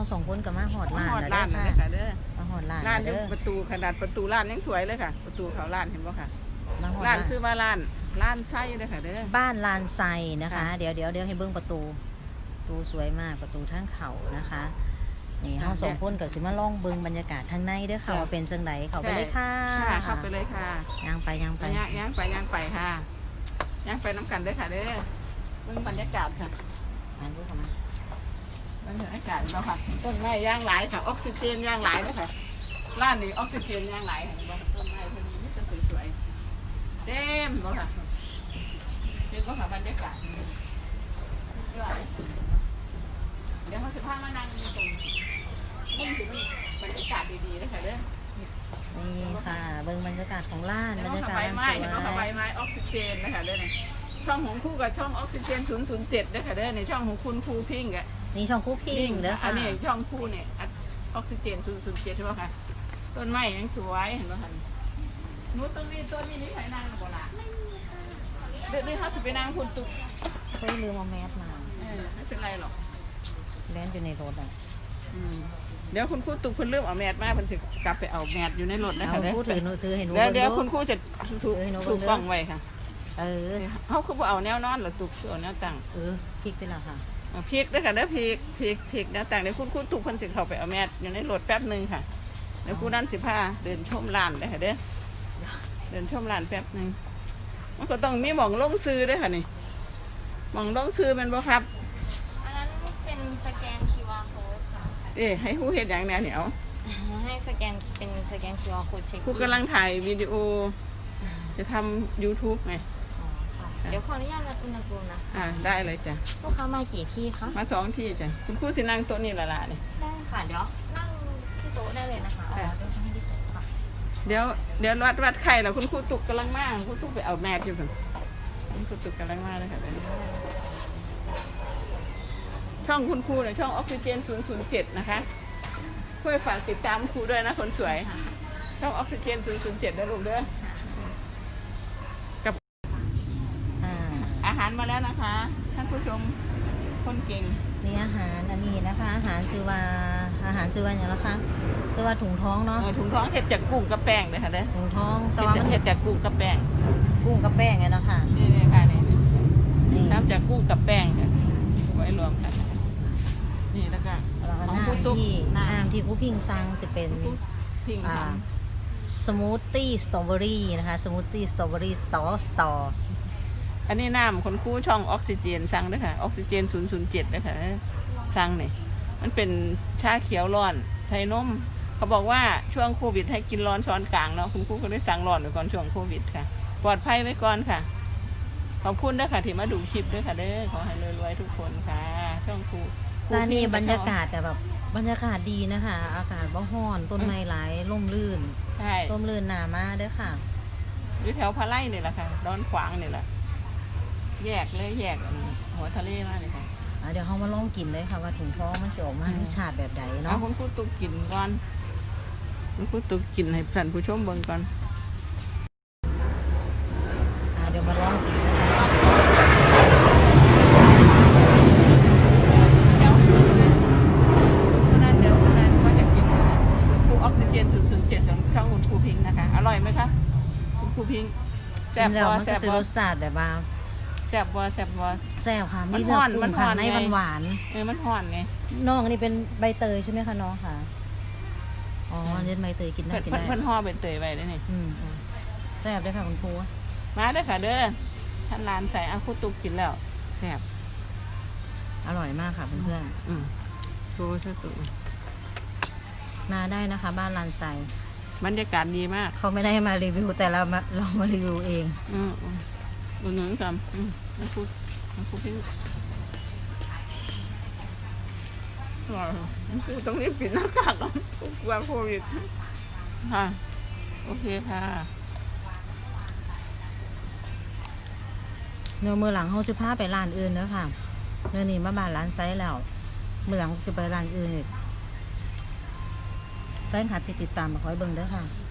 สองคนกับมาหอดร้านหอดแล้วร้านเด้เลอย ค่ะค่ะเด้อมาหอดร้านร้านแล้วอยู่เด้อประตูขนาดประตูร้านยังสวยเลยค่ะ ประตูเขาร้านเห็นป่ะค่ะมาหอดร้าร้าน นชื่อว่าร้านไส้เลยค่ะเด้อบ้านลานไซนะคะค่ะเดี๋ยวให้เบิ้งประตูสวยมากประตูทางเขานะคะนี่เฮาสองคนกับสิมาล่องเบิ้งบรรยากาศทางในเด้อค่ะว่าเป็นจังไดเข้าไปเลยค่ะค่ะเข้าไปเลยค่ะย่างไปย่างไปค่ะย่างไปน้ำกันเด้อค่ะเด้อเบิ่งบรรยากาศค่ะอ่านรูปเข้ามาบรรยากาศแล้วค่ะต้นไม้ย่างหลายค่ะออกซิเจนย่างหลายเลยค่ะร้านนี้ออกซิเจนย่างหลายค่ะต้นไม้เพิ่นนี่จะสวยๆเต็มเลยค่ะเต็มก็ค่ะบรรยากาศเดี๋ยวเขาจะพามานั่งตรงมุมที่มันบรรยากาศดีๆเลยค่ะเด้อนี่ค่ะเบิ้งบรรยากาศของร้านเห็นบรรว่ายากาศใบร้านไม้สเห็นว่าใบวยไม้ออกซิเจนนะคะเด้อเนี่ยช่องของคู่กับช่องออกซิเจน007นะคะเด้อในช่องของคุณครูพิงค์อ่ะนี่ช่องคู่พิงเด้ออัค่ะนนี้ช่องคู่เนี่ยออกซิเจน007ใช่ไหมคะต้นไม้ยังสวยเห็นไหมคะนู้นต้นนี้นี่ใครนั่งบ่ล่ะเดี๋ยวเขาจะไปนั่งคุณตุ๊กเฮ้ยลืมเอาแมสมาไม่เป็นไรหรอกแลนอยู่ในรถอ่ะเดี๋ยวคุณครูตุ๊กเพิ่นเริ่มเอาแมสมาเพิ่นสิกลับไปเอาแมสอยู่ในรถนะคะเอาพูดถือให้หนูเดี๋ยวบิ่งคุณครูจะถูกกล้องไว้ค่ะเออเขาคือบ่เอาแนวนอนหรือตุ๊กคือเอาแนวตั้งพลิกไปแล้วค่ะพริกด้วยค่ะเด้อพริกนะต่างเดี๋ยวคุณถูกคนสิเข้าไปเอาแมสอยู่ในรถแป๊บหนึ่งค่ะเดี๋ยวคุณนั่นสิพาเดินชมร้านเลยค่ะเด้อเดินชมร้านแป๊บหนึ่งมันก็ต้องมีหม่องลงซื้อด้วยค่ะนี่หม่องลงซื้อเป็นบ่ครับอันนั้นเป็นสแกน QR code ค่ะให้ผู้เห็นอย่างแนวเหนียวให้สแกนเป็นสแกน QR code เช็คผู้กำลังถ่ายวิดีโอ จะทำ YouTube ไงอ๋อค่ะเดี๋ยวขออนุญาตวัดอุณหภูมินะได้เลยจ้ะลูกค้ามากี่ที่คะมา2 ที่จ้ะคุณครูสินั่งโต๊ะนี่ละนี่ได้ค่ะ เดี๋ยวนั่งที่โต๊ะได้เลยนะคะเอาเดี๋ยวให้ที่โต๊ะค่ะเดี๋ยววัดไข่แล้วคุณครูตุกกำลังมาคุณครูตุกไปเอาแมสอยู่เพิ่นคุณครูตุกกำลังมาเลยค่ะช่องคุณครูเนี่ยช่องออกซิเจน007นะคะช่วยฝากติดตามครูด้วยนะคนสวยช่องออกซิเจน007นะลูกเด้อกับอ่าอาหารมาแล้วนะคะท่านผู้ชมคนเก่งนี่อาหารอันนี้นะคะ อาหารชื่อว่าอย่างไรคะชื่อว่าถุงท้องเนาะถุงท้องเห็ดจากกุ้งกับแป้งเลยค่ะเด้อถุงท้องแต่ว่ามันเห็ดจากกุ้งกับแป้งกุ้งกับแป้งไงเนาะค่ะนี่ค่ะนี่นี่ทำจากกุ้งกับแป้งค่ะไว้รวมกันนี่แล้วก็แล้วก็ของน้ครูตุ๊กำที่ครูพิงสั่งจะเป็นพิงทำสมูทตี้สตรอเบอรี่นะคะสมูทตี้สตรอเบอรี่สตออันนี้น้ำคนคู่ช่องออกซิเจนสั่งด้วยค่ะออกซิเจน007ด้วยค่ะสั่งนี่มันเป็นชาเขียวร้อนใช้นมเขาบอกว่าช่วงโควิดให้กินร้อนช้อนกลางเนาะคุณครูก็ได้สั่งร้อนไว้ก่อนช่วงโควิดค่ะปลอดภัยไว้ก่อนค่ะขอบคุณด้วยค่ะที่มาดูคลิปด้วยค่ะเด้อขอให้รวยๆทุกคนค่ะช่องครูร้านนี้บรรยากาศแต่แบบบรรยากาศดีนะคะ อากาศบ่ฮ้อนต้นไม้หลายร่มรื่นใช่ร่มรื่นหนามาเด้อค่ะอยู่แถวพะไลนี่แหละค่ะดอนขวางนี่แหละแยกหัวทะเลมากเลยค่ะเดี๋ยวเขามาลองกินเลยค่ะว่าถุงท้องมันจะออกมารสชาติแบบใดเอาเนาะคุณครูตุกกินก่อนคุณครูตุกกินให้ท่านผู้ชมเบิ่งก่อนเดี๋ยวมาลองกินนะคะเดี๋ยวคนนั้นก็จะกินครูออกซิเจน007ของช่องคุณครูพิงค์นะคะอร่อยไหมคะคุณครูพิงค์แซ่กิบนแล้วบ่มันแซ่ก็บจะบ่รสชาติแบบว่าแซ่บบ่แซ่บค่ะมัมีนเนื้อฮ้อนกุ้มันงฮ้ค่ะอนในไงหวานมันห่อนไงๆน้องอันนี้เป็นใบเตยใช่ไหมคะน้องค่ะอ๋ออันนี้ใบเตยกินได้กินได้เพิ่นห่อเป็นเตยไว้ได้นี่แซ่บด้วยค่ะคุณครูมาเด้อค่ะเด้อท่านร้านใส่ครูตุกกินแล้วแซ่บอร่อยมากค่ะเพื่อนโชว์ซะตัวๆมาได้นะคะ บ้านลานไซบรรยากาศดีมากเขาไม่ได้มารีวิวแต่เรามารีวิวเองอุดหนุนกันมันพูดพิงมันพูดต้องรีบปิดหน้ากากก่อนกลัวโควิดค่ะโอเคค่ะเนื้อมือหลังเขาจะพาไปร้านอื่นเด้อค่ะเนื้อนี้มาบ้านร้านไซแล้วมือหลังจะไปร้านอื่นอีกแฟนคลับที่ติดตามมาคอยเบิ่งเด้อค่ะ